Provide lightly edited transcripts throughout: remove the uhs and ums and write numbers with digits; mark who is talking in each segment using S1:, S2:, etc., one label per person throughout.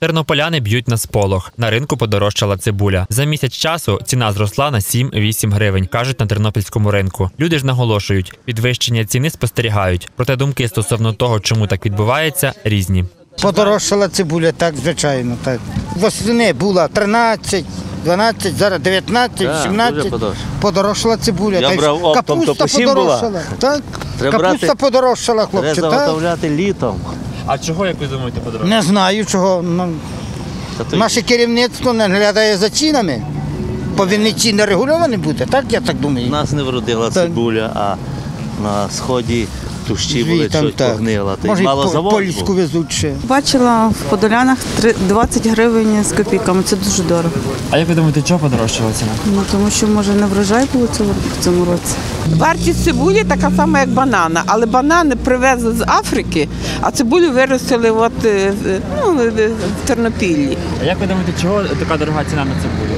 S1: Тернополяни б'ють на сполох. На ринку подорожчала цибуля. За місяць часу ціна зросла на 7-8 гривень, кажуть на тернопільському ринку. Люди ж наголошують, підвищення ціни спостерігають. Проте думки стосовно того, чому так відбувається, різні.
S2: Подорожчала цибуля, так, звичайно. Так. Восени була 13, 12, зараз 19, 17. Подорожчала цибуля.
S3: Я брав оптом, то по 7 була.
S2: Так. Капуста подорожчала, хлопче.
S3: Треба заготовляти літом.
S1: А чого, як ви думаєте, подорожчало?
S2: Не знаю чого. Наше керівництво не глядає за цінами. Повинні ціни регульовані бути, так, я так думаю.
S3: У нас не вродила цибуля, а на сході тущі були, щось погнило.
S2: Може, польську везуть ще.
S4: Бачила в Подолянах 20 гривень з копійками, це дуже дорого.
S1: А як ви думаєте, чого подорожчала ціна?
S4: Тому що, може, не врожай було в цьому році.
S5: Вартість цибулі така сама, як банана, але банани привезли з Африки, а цибулю виростили в Тернопіллі.
S1: А як ви думаєте, чого така дорога ціна на цибулю?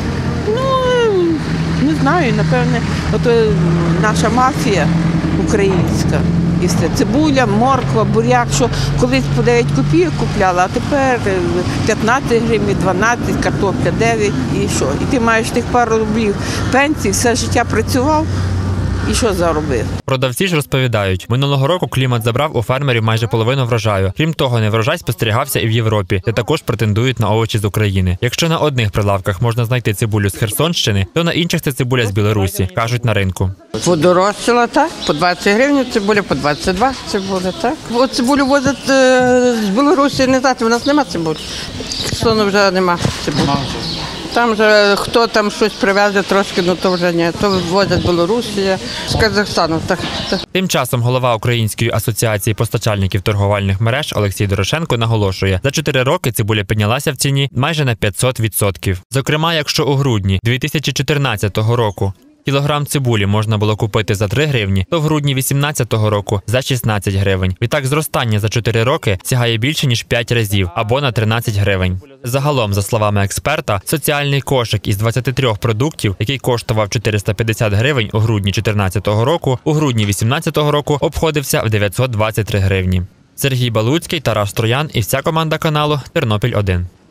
S5: Не знаю, напевне, наша мафія українська. І все. Цибуля, морква, буряк, що колись по 9 копійок купляла, а тепер 15 гривень, 12, картопля 9 і що? І ти маєш тих пару рублів пенсії, все життя працював. І що заробив?
S1: Продавці ж розповідають, минулого року клімат забрав у фермерів майже половину врожаю. Крім того, неврожай спостерігався і в Європі, де також претендують на овочі з України. Якщо на одних прилавках можна знайти цибулю з Херсонщини, то на інших це цибуля з Білорусі, кажуть на ринку.
S6: Подорожчала, так, по 20 гривень цибуля, по 22 цибуля, так. От цибулю возять з Білорусі, не знати, у нас нема цибулі. Херсону вже нема цибулі. Там же хто там щось привезе трошки, то вже ні. То ввозять Білорусі, з Казахстану. Так.
S1: Тим часом голова Української асоціації постачальників торговельних мереж Олексій Дорошенко наголошує, за 4 роки цибуля піднялася в ціні майже на 500%. Зокрема, якщо у грудні 2014 року кілограм цибулі можна було купити за 3 гривні, то в грудні 2018 року за 16 гривень. Відтак зростання за 4 роки сягає більше, ніж 5 разів, або на 13 гривень. Загалом, за словами експерта, соціальний кошик із 23 продуктів, який коштував 450 гривень у грудні 2014 року, у грудні 2018 року обходився в 923 гривні. Сергій Балуцький, Тарас Троян і вся команда каналу «Тернопіль 1».